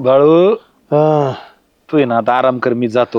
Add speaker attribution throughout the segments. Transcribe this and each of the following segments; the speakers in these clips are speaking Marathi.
Speaker 1: बाळू
Speaker 2: हा,
Speaker 1: तू आहे ना आता आराम कर, मी जातो.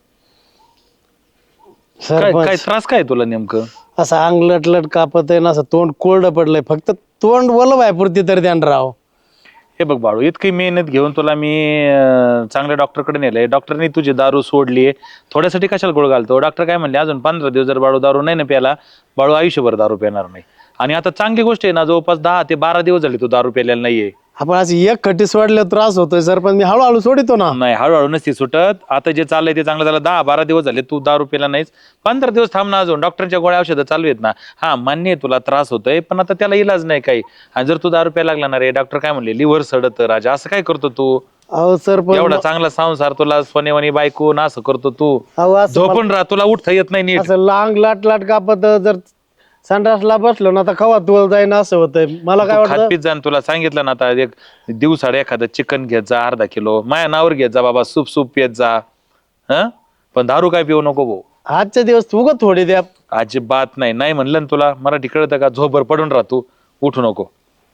Speaker 1: काय काय
Speaker 2: सरपंच
Speaker 1: त्रास काय तुला नेमकं?
Speaker 2: असं अंग लटलट कापत आहे ना, असं तोंड कोरडं पडलंय, फक्त तोंड वलं आहे पुरती तरी ध्यान राव.
Speaker 1: हे बघ बाळू, इतकी मेहनत घेऊन तुला मी चांगल्या डॉक्टरकडे नेलंय. डॉक्टरनी तुझी दारू सोडली. थोड्यासाठी कशाला गोळ घालतो? डॉक्टर काय म्हणले, अजून 15 दिवस जर बाळू दारू नाही ना प्याला, बाळू आयुष्यभर दारू पिणार नाही. आणि आता चांगली गोष्ट आहे ना, जवळपास 10 ते 12 दिवस झाले तू दारू प्यायलेला नाहीये.
Speaker 2: आपण असं एक खट्टी सोडल्यावर त्रास होतोय सरपंच, मी हळूहळू सोडितो ना.
Speaker 1: नाही, हळूहळू नसती सुटत. आता जे चाललंय ते चांगलं झालं. 10-12 दिवस झाले तू दारू पिला नाहीस. 15 दिवस थांब ना, अजून डॉक्टरच्या गोळ्या औषधं चालू आहेत ना. हा मान्य आहे तुला त्रास होतोय, पण आता त्याला इलाज नाही काही. आणि जर तू दारू प्यायला लागला ना रे, डॉक्टर काय म्हणले, लिव्हर सडत राजा. असं काय करतो तू?
Speaker 2: अहो सरपंच
Speaker 1: एवढा चांगला संसार तुला सोनेवानी बायको ना, असं करतो तू?
Speaker 2: अहो असं
Speaker 1: झोपून राहा, तुला उठता येत नाही नीट.
Speaker 2: असं लांग लाट लाट कापत जर संडासला बसलो ना, तर कवा तुला जाईन असं होतंय. मला काय
Speaker 1: तू
Speaker 2: वाटतं,
Speaker 1: खातपीत जा. तुला सांगितलं ना आता, एक दिवसाड एखादं चिकन घेत जा, अर्धा किलो माया नावर घेत जा बाबा, सूप पियत जा. हा, पण दारू काय पिऊ नको भाऊ.
Speaker 2: आजच्या दिवस तू का थोडी द्या.
Speaker 1: अजिबात नाही. नाही म्हणलं ना तुला, मराठी कळतं का? झोपभर पडून राह, तू उठू नको.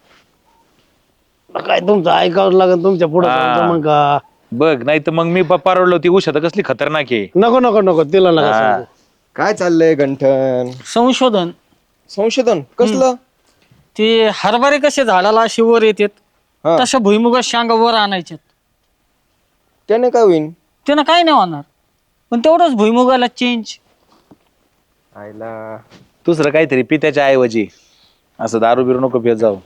Speaker 2: काय तुमचं ऐकावं लागेल तुमच्या पुढे
Speaker 1: हा.
Speaker 2: मग का.
Speaker 1: बघ, नाही तर मग मी पारवलो. ती उषा तर कसली खतरनाक आहे.
Speaker 2: नको नको नको, तिला नका
Speaker 1: हा.
Speaker 2: सांगू.
Speaker 3: काय चाललंय गंठन?
Speaker 4: संशोधन.
Speaker 3: संशोधन कसलं?
Speaker 4: ते हरभरे कसे झाडाला अशी वर येतात,
Speaker 3: हा.
Speaker 4: तशा भुईमुगा शांगा वर आणायच्यात.
Speaker 3: त्याने काय होईन?
Speaker 4: त्यानं काय नाही होणार, पण तेवढंच भुईमुगाला चेंज.
Speaker 3: आईला
Speaker 1: दुसरं काहीतरी पी त्याच्या ऐवजी. असं दारू बिरू नको पित जाऊ.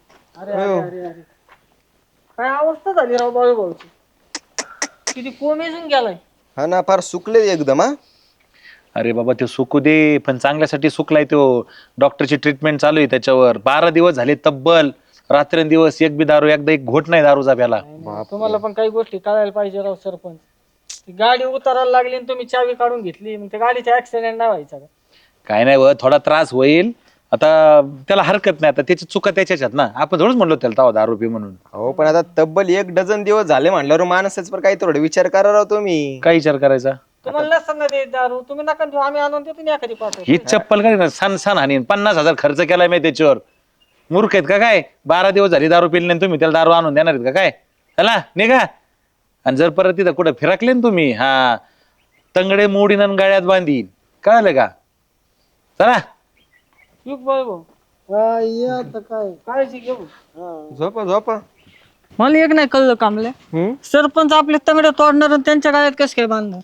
Speaker 4: काय अवस्था झाली राव बाळू भाऊची. किती कोमेजून गेलाय.
Speaker 3: हा ना, फार सुकले एकदम. हा,
Speaker 1: अरे बाबा, ते सुकू दे, पण चांगल्यासाठी सुकलाय तो. डॉक्टरची ट्रीटमेंट चालू आहे त्याच्यावर. 12 दिवस झाले तब्बल. रात्रंदिवस एक बी दारू, एकदा एक घोट नाही दारूचा प्याला.
Speaker 4: तुम्हाला पण काही गोष्टी कळायला पाहिजे राव सरपंच. ती गाडी उतरायला लागली आणि तुम्ही चावी काढून घेतली, मग त्या गाडीचा ऍक्सिडेंट नाही व्हायचा का?
Speaker 1: काय नाही, थोडा त्रास होईल. आता त्याला हरकत नाही. आता त्याची चुका त्याच्याच आहेत ना. आपण थोडंच म्हणलो त्याला तवा दारू पी म्हणून.
Speaker 3: हो, पण आता तब्बल 1 डझन दिवस झाले म्हणल्यावर माणसाच पर काही थोडं विचार करा राव तुम्ही.
Speaker 1: काय विचार करायचा?
Speaker 4: तुम्हाला नसतं ना ते दारू, तुम्ही नका देऊ, आम्ही आणून देतो ना एखादी पाठवून.
Speaker 1: ही चप्पल काय सण सण आणि 50,000 खर्च केलाय मी त्याच्यावर. मूर्ख आहेत का काय? 12 दिवस झाली दारू पिली नाही, तुम्ही त्याला दारू आणून देणार आहेत का काय? चला निघा. आणि जर परत तिथं कुठं फिरकले ना तुम्ही, हा, तंगडे मोडीन आणि गळ्यात बांधीन. कळलं का? चला.
Speaker 4: युग बाळू भाऊ,
Speaker 2: आता काय
Speaker 4: काळजी घेऊ.
Speaker 3: झोपा झोपा.
Speaker 4: मला एक नाही कळलं कामले, सरपंच आपले तंगडे तोडणार आणि त्यांच्या गाड्यात कसं काय बांधणार?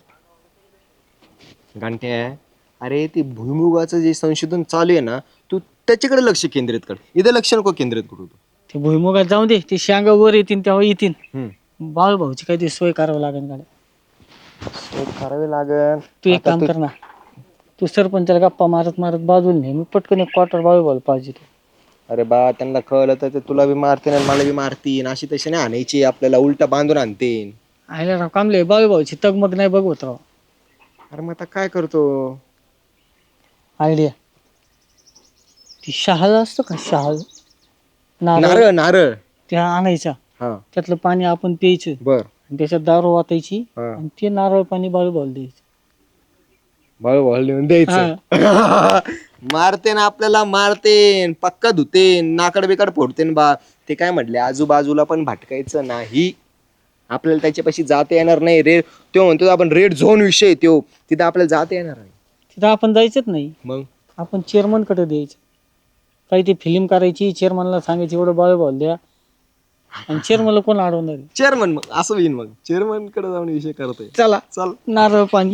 Speaker 3: घंट्या, अरे ते भुईमुगाचं जे संशोधन चालू आहे ना, तू त्याच्याकडे लक्ष केंद्रित कर. इथं लक्ष नको केंद्रित करू तू.
Speaker 4: ते भुईमुगात जाऊ दे, ते शांगा वर येतील तेव्हा येतील.
Speaker 3: हम्म.
Speaker 4: बाळू भाऊची काहीतरी सोय करावं लागेल गाड्या.
Speaker 3: सोय करावी लागल.
Speaker 4: तू एक काम कर ना, तू सरपंचाला गप्पा मारत मारत बाजूला नाही, मी पटकन एक क्वार्टर बाळू भाऊ पाहिजे.
Speaker 3: अरे बा, त्यांना कळलं तर ते तुला बी मारतीन आणि मला बी मारतीन. अशी तशी नाही आणायची, आपल्याला उलटा बांधून आणतीन.
Speaker 4: आयला राव कामले, बाळू भाऊची तगमग नाही बघवत राव.
Speaker 3: अरे मग आता काय करतो?
Speaker 4: आयडिया, ती शहाळ असतो का, शहाळ
Speaker 3: नारळ नारळ.
Speaker 4: त्या आणायचा,
Speaker 3: हा,
Speaker 4: त्यातलं पाणी आपण प्यायचं
Speaker 3: बर.
Speaker 4: आणि त्याच्यात दारू वाटायची
Speaker 3: हा.
Speaker 4: आणि ते नारळ पाणी बाळू भाऊ द्यायचं.
Speaker 3: बाळू भाऊ लिहून द्यायचं. मारतेन आपल्याला, मारतेन, पक्का धुतेन, नाकड बिकड फोडतेन बा. ते काय म्हटले, आजूबाजूला पण भटकायचं नाही. आपल्याला त्याच्यापाशी जाता येणार नाही. तो म्हणतो आपण रेड झोन विषय, तो तिथं आपल्याला जाता येणार नाही.
Speaker 4: तिथं आपण जायचंच नाही,
Speaker 3: मग
Speaker 4: आपण चेअरमन कडे द्यायचं. काही ती फिल्म करायची, चेअरमनला सांगायची एवढं बाळू भाऊ द्या, आणि चेअरमनला कोण अडवणार आहे?
Speaker 3: चेअरमन, मग असं होईन. मग चेअरमन कडे जाऊन विषय करतोय.
Speaker 4: चला
Speaker 3: चल.
Speaker 4: नारळ पाणी.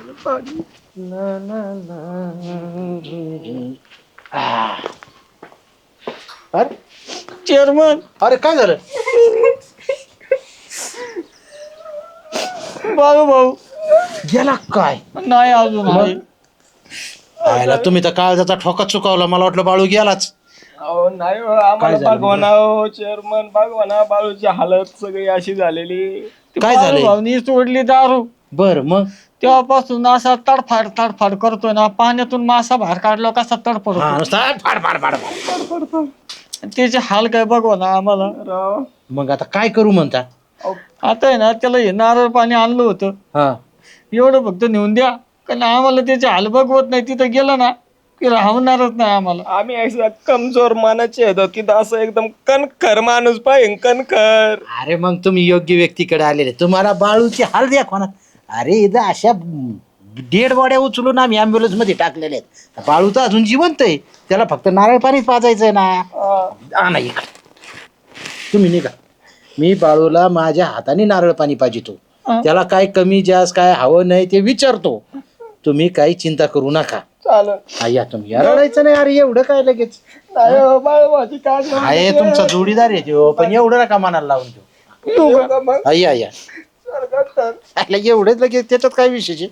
Speaker 4: चेअरमन,
Speaker 2: अरे काय झालं?
Speaker 4: बाळू भाऊ
Speaker 2: गेला काय?
Speaker 4: नाही अजून आहे.
Speaker 2: आयला तुम्ही तर काळजाचा ठोका चुकावला. मला वाटलं बाळू गेलाच.
Speaker 5: नाही हो, आम्हाला बागवाना हो चेअरमन, बागवाना. बाळूची हालत सगळी अशी झालेली.
Speaker 2: काय
Speaker 4: बाळू
Speaker 2: झालंय?
Speaker 4: भाऊनी सोडली दारू,
Speaker 2: बर, मग
Speaker 4: तेव्हापासून असा तडफाड तडफाड करतोय ना. पाण्यातून मासा बाहेर काढला कसा तडफड
Speaker 2: हा,
Speaker 4: होतो.
Speaker 2: नुसता फाड.
Speaker 4: त्याचे हाल काय बघवा ना आम्हाला.
Speaker 2: मग आता काय करू म्हणता?
Speaker 4: आता आहे ना, त्याला हे नारळ पाणी आणलं होतं,
Speaker 2: हा,
Speaker 4: एवढं फक्त नेऊन द्या, कारण आम्हाला त्याचे हाल बघवत नाही. तिथं गेलं ना, की राहणारच नाही आम्हाला.
Speaker 5: आम्ही असं कमजोर मानाचे होतो की असं एकदम कणखर माणूस पाहिजे कणखर.
Speaker 6: अरे मग तुम्ही योग्य व्यक्तीकडे आलेले. तुम्हाला बाळूची हाल द्या कोणा. अरे इथं अशा डेड बॉड्या उचलून आम्ही ॲम्ब्युलन्स मध्ये टाकलेल्या आहेत. बाळू तर अजून जिवंत आहे, त्याला फक्त नारळ पाणीच पाजायचंय ना. आणा इकडे तुम्ही निघा. मी बाळूला माझ्या हाताने नारळ पाणी पाजितो. त्याला काय कमी जास्त काय हवं नाही ते विचारतो. तुम्ही काही चिंता करू नका.
Speaker 5: चालेल.
Speaker 6: या तुम्ही रडायचं नाही. अरे एवढं काय लगेच
Speaker 5: नाही हो, बाळूभाऊची काळजी
Speaker 6: आहे तुमचा जोडीदार आहे तो, पण एवढं नका मनाला लावून देऊ.
Speaker 5: येऊ का मग?
Speaker 6: या
Speaker 5: स्वर्गात तर.
Speaker 6: अरे एवढेच लगेच त्याच्यात काय विशेष आहे.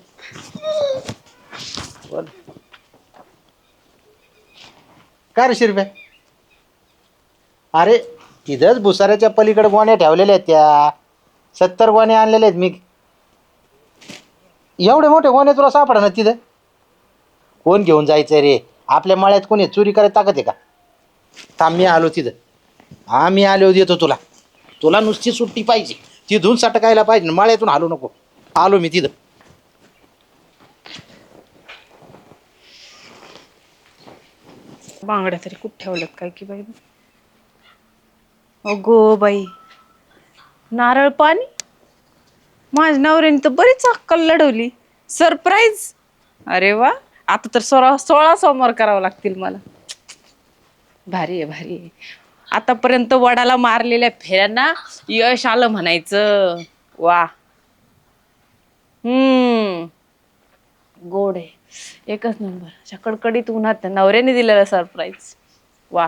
Speaker 6: काय रे शिरप्या. अरे तिथंच भुसाऱ्याच्या पलीकडे गोण्या ठेवलेल्या आहेत त्या. 70 गोण्या आणलेल्या आहेत मी. एवढे मोठे गोण्या तुला सापडा ना तिथं. कोण घेऊन जायचंय रे. आपल्या मळ्यात कोणी चोरी करायला ताकद आहे का. थांब मी आलो तिथं. हा मी आलो देतो तुला. तुला नुसती सुट्टी पाहिजे. तिथून सटकायला पाहिजे, मळ्यातून हालू नको. आलो मी तिथं.
Speaker 7: बांगड्या तरी कुठे ठेवल्यात काय की बाई. अगो बाई, नारळ पाणी. माझ्या नवऱ्याने तर बरीच अक्कल लढवली. सरप्राईज. अरे वा, आता तर 16 सोमवार करावं लागतील मला. भारी आहे भारी आहे. आतापर्यंत वडाला मारलेल्या फेऱ्यांना यश आलं म्हणायचं. वा. गोड आहे. एकच नंबर. अशा कडकडीत उन्हात नवऱ्याने दिलेला सरप्राईज. वा.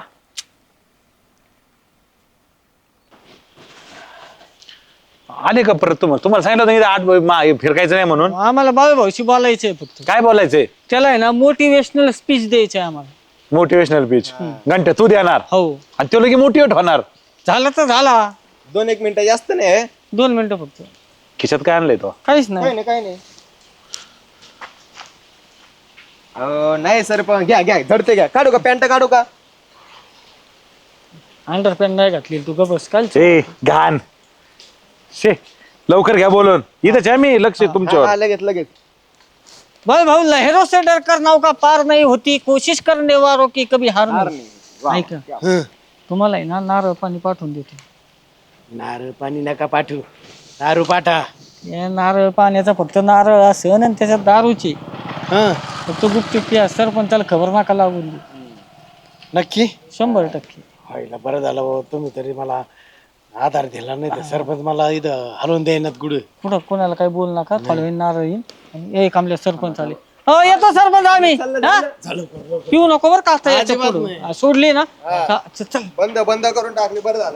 Speaker 1: आले का परत तुम्हाला सांगितलं होतं इथं 8 फिरकायचं नाही म्हणून.
Speaker 4: आम्हाला बाळूभाऊशी बोलायचंय फक्त.
Speaker 1: काय बोलायचंय.
Speaker 4: त्याला आहे ना मोटिवेशनल स्पीच द्यायची आहे आम्हाला.
Speaker 1: Motivational speech. घंटे तू देणार
Speaker 4: हो.
Speaker 1: आणि तो लगे मोटिवेट होणार.
Speaker 4: झालं तर झाला.
Speaker 3: 2-1 मिनिटं जास्त नाही.
Speaker 4: 2 मिनिटं फक्त.
Speaker 1: खिशात काय आणलंय तो.
Speaker 4: काहीच
Speaker 3: काय
Speaker 4: नाही.
Speaker 3: नाही काय नाही. नाही सर पण घ्या घ्या धडते घ्या. काढू का पॅन्ट काढू का.
Speaker 4: अंडरपॅन्ट नाही घातली तू गबस काल.
Speaker 1: ए घाण. शे लवकर घ्या बोलून. इथंच आहे मी. लक्ष आहे तुमच्यावर.
Speaker 3: हा, लगेच लगेच.
Speaker 4: भाऊ लहरों से डर कर नौका पार नहीं होती, कोशिश करने वालों की कभी हार नहीं. ऐका, तुम्हाला आहे ना नारळ पाणी पाठवून देतो.
Speaker 6: नारळ पाणी नका पाठवू. दारू पाठा.
Speaker 4: या नारळ पाण्याचा फक्त नारळ असन आणि त्याच्यात दारूची. फक्त गुपचूप प्या. सरपंचाला खबर नका लागून दे.
Speaker 6: नक्की
Speaker 4: 100%.
Speaker 6: व्हायला बरं झालं बाबा. तुम्ही तरी मला आधार दिला. नाही तर सरपंच मला इथं हलवून द्यायनात गुड.
Speaker 4: पुढं कोणाला काही बोल नका. थोड्या वेळ नारळ येईन. एक आमल्या सरपंच आले. हो येतो सरपंच आम्ही. हा? पिऊ नको बरं का. याच्या पुढं सोडली ना. चल.
Speaker 3: बंद बंद करून टाकली. बरं झालं.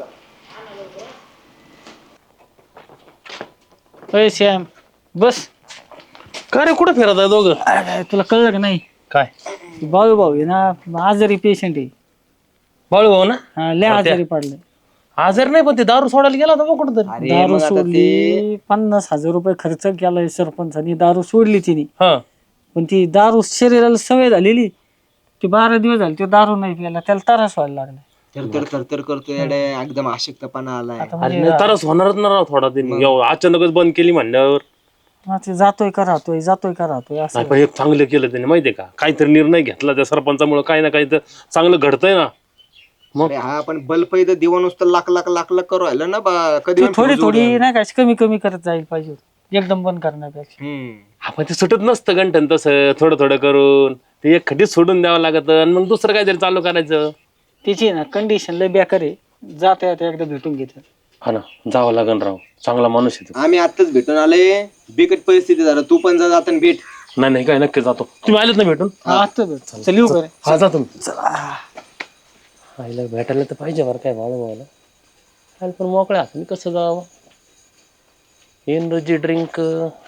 Speaker 4: अय श्याम बस.
Speaker 5: का रे कुठं फिरत आहे दोघं.
Speaker 4: अरे, तुला कळलं का नाही.
Speaker 5: काय
Speaker 4: बाळू भाऊ आहे ना आजारी पेशंट आहे.
Speaker 5: बाळू भाऊ ना.
Speaker 4: हा, लय आजारी पडले.
Speaker 5: आजार नाही पण ते दारू सोडायला गेला होता मग कुठं तरी.
Speaker 4: दारू सोडली. 50,000 रुपये खर्च केलाय सरपंचानी. दारू सोडली तिने.
Speaker 5: हा.
Speaker 4: पण ती दारू शरीराला सवय झालेली. ती 12 दिवस झाले. तो दारू नाही प्यायला. त्याला त्रास व्हायला लागला.
Speaker 3: तर करतो येडे. एकदम आशक्तपणा आलाय.
Speaker 4: आता
Speaker 5: अरे
Speaker 4: म्हणजे
Speaker 5: नाही तरच होणारच ना राव थोडा दिन. अचानकच बंद केली म्हणल्यावर.
Speaker 4: ते जातोय का राहतोय जातोय का राहतोय असं.
Speaker 5: नाही पण एक चांगलं केलं त्याने माहितीये का. काहीतरी निर्णय घेतला त्या सरपंचामुळे काही ना काही तर चांगलं घडतंय ना.
Speaker 3: अरे हा पण बल्ब इथं दिवा नुसतं लाख लाख लाख लाख करू राहिलं ना कधी
Speaker 4: ती थोडी थोडी नाही का कमी कमी करत जाईल पाहिजे. एकदम बंद करण्यापेक्षा.
Speaker 5: आपण ते सुटत नसतं घंटन तसं थोडं थोडं करून. ते एक खड्डीत सोडून द्यावं लागत आणि मग दुसरं काहीतरी चालू करायचं.
Speaker 4: त्याची ना कंडिशन लय बेकार आहे. जाता येता एकदा भेटून घेतात.
Speaker 5: हा ना जावं लागन राव. चांगला माणूस आहे तो.
Speaker 3: आम्ही आताच भेटून आले. बिकट परिस्थिती झालं. तू पण जा जाताना भेट.
Speaker 5: नाही काय नक्की जातो. तुम्ही आलेत ना भेटून.
Speaker 4: आता भेट. चल येऊ करे.
Speaker 5: हा जा तुम्ही. आईला भेटायला तर पाहिजे बरं काय बाळू भावाला. आलं पण मोकळ्या हाताने कसं जावं. एनर्जी ड्रिंक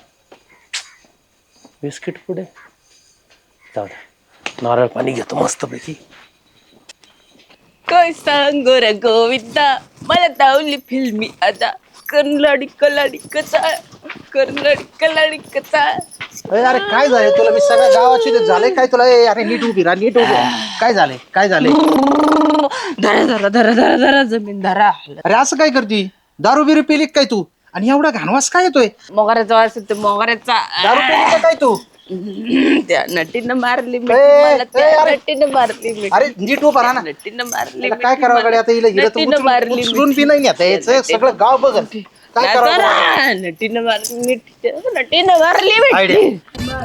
Speaker 5: बिस्किट पुढे जाऊ द्या. नारळ पाणी घेतो मस्तपैकी.
Speaker 7: काय सांगो रे गोविंदा, मला दावली फिल्मी आता. कर्नाडी कलाडी कचा. कर्नाडी कलाडी कचा.
Speaker 6: अरे काय झालंय तुला. मी सगळ्या गावाची झालंय काय तुला. अरे नीट उभी राहा. नीट उभी राहा. काय झालंय काय झालंय.
Speaker 7: धरा धरा धरा धरा धरा जमीन धरा.
Speaker 6: अरे असं काय करती. दारू बिरू पिली काय तू. आणि एवढा घाणवास काय येतोय.
Speaker 7: मोगऱ्याचा वास येतो मोगऱ्याचा.
Speaker 6: दारू पिली का काय तू.
Speaker 7: त्या नटीनं मारली मिठी
Speaker 6: ए,
Speaker 7: मला, त्या
Speaker 6: ए, अरे.
Speaker 7: नटीनं मारली मिठी.
Speaker 6: अरे नीट उभा राहा ना.
Speaker 7: नटीनं मारली
Speaker 6: त्याला
Speaker 7: मिठी
Speaker 6: काय करावं
Speaker 7: मला.
Speaker 6: कडे आता हिला
Speaker 7: नटीनं मारली
Speaker 6: उचलून बी नाही नेता यायचं सगळं गाव बघत काय
Speaker 7: मिठी.
Speaker 6: करावं
Speaker 7: जरा नटीनं मारली मिठी, नटीनं मारली मिठी.
Speaker 6: आयडिया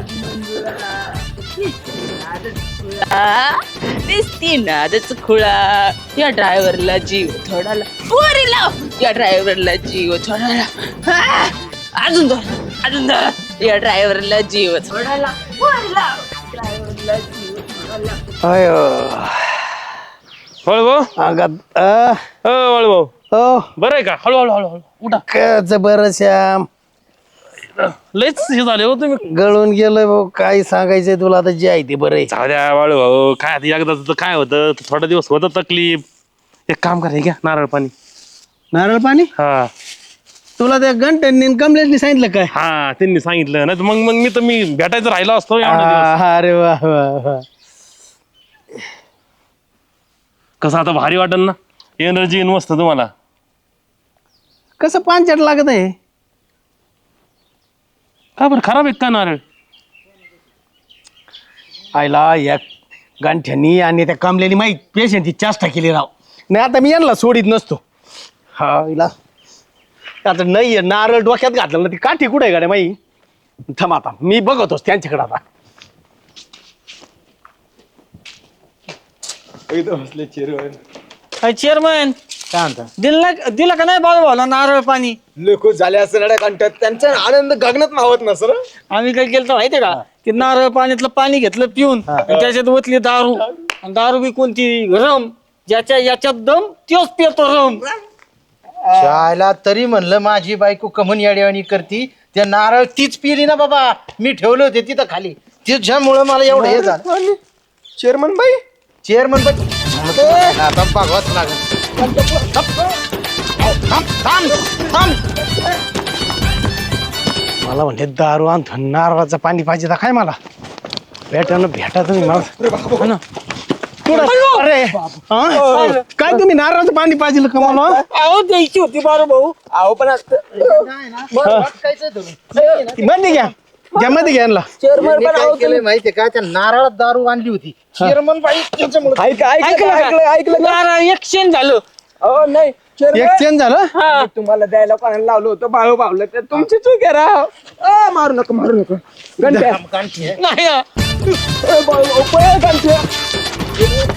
Speaker 7: दिसती नादच खुळा, या ड्रायव्हरला जीव थोडाला पोरी लाव, या ड्रायव्हरला जीव थोडाला. हा! अजून दोन, अजून दोन. या ड्रायव्हरला जीव थोडाला पोरी लाव, ड्रायव्हरला जीव थोडाला.
Speaker 2: अयो
Speaker 1: वळू भाऊ
Speaker 2: अंगात
Speaker 1: वळू भाऊ
Speaker 2: हो
Speaker 1: बरं आहे का? हळूहळू हळूहळू उठा.
Speaker 2: कच बरं श्याम
Speaker 1: लयच हे झाले हो तुम्ही.
Speaker 2: गळून गेलोय भाऊ, काय सांगायचंय तुला आता जे आहे ते बरं आहे.
Speaker 1: जाऊ द्या वाळू भाऊ, काय आता एकदा काय होतं थोडा दिवस होतं तकलीफ. एक काम करा, हे घ्या नारळ पाणी.
Speaker 2: नारळ पाणी
Speaker 1: हा
Speaker 2: तुला त्या घंट्यांनी कमलेशनी सांगितलं काय?
Speaker 1: हा त्यांनी सांगितलं नाही मग मी भेटायचं राहिलो असतो एवढा दिवस.
Speaker 2: अरे वा वा वा.
Speaker 1: कसं आता भारी वाटेल ना, एनर्जी मस्त तुम्हाला.
Speaker 2: कसं पांचट लागत आहे?
Speaker 1: का बरं खराब आहे का नारळ?
Speaker 2: आयला या गांठ्यांनी आणि त्या कमलेनी माहीत पेशंटची चेष्टा केली राव. नाही आता मी यांना सोडित नसतो. हा इला आता नाही नारळ डोक्यात घातलं ना ती काठी कुठे गाड्या माई. थांब आता मी बघतोच त्यांच्याकडे आता.
Speaker 4: चेअरमन
Speaker 6: काय म्हणता
Speaker 4: दिलं का नाही बाबा भाऊला नारळ पाणी?
Speaker 3: लोक झाले असं रड्या कंटात त्यांचा आनंद गगनात मावत ना सर.
Speaker 4: आम्ही काय केलं तर माहितीये का, ते नारळ पाण्यातलं पाणी घेतलं पिऊन आणि त्याच्यात ओतली दारू. आणि दारू बी कोणती? रम. ज्याच्या याच्यात दम त्योच पितो रम.
Speaker 6: शाळेला तरी म्हणलं माझी बायको कमन याडेवाणी करती, त्या नारळ तीच पिली ना बाबा. मी ठेवले होते तिथं खाली, तिच्यामुळं मला एवढं हे झालं.
Speaker 3: चेअरमन बाई
Speaker 6: चेअरमन आता बघावंच लागेल.
Speaker 2: मला म्हणले दारू आणतो नारळाचं पाणी पाहिजे तर काय मला भेटा तुम्ही मला ना. अरे हा? काय तुम्ही नारळाचं पाणी पाहिजे का मला?
Speaker 4: अहो द्यायची होती बारू भाऊ.
Speaker 3: अहो पण असतं
Speaker 2: मध्ये घ्या घ्या मध्ये घ्या यांना.
Speaker 6: त्यांनी काय केलंय माहितीये का, त्या नारळात दारू आणली होती. चेअरमन बाई त्याच्यामुळे
Speaker 4: ऐकलं नारळ एक्सचेंज झालं.
Speaker 3: अहो नाही
Speaker 2: एक्सचेंज झालं.
Speaker 3: मी तुम्हाला द्यायला कोणाला लावलं होतं बाळू बावलं तर तुमची चूक आहे राव. मारू नका गंठ्या
Speaker 4: नाही
Speaker 3: बाळू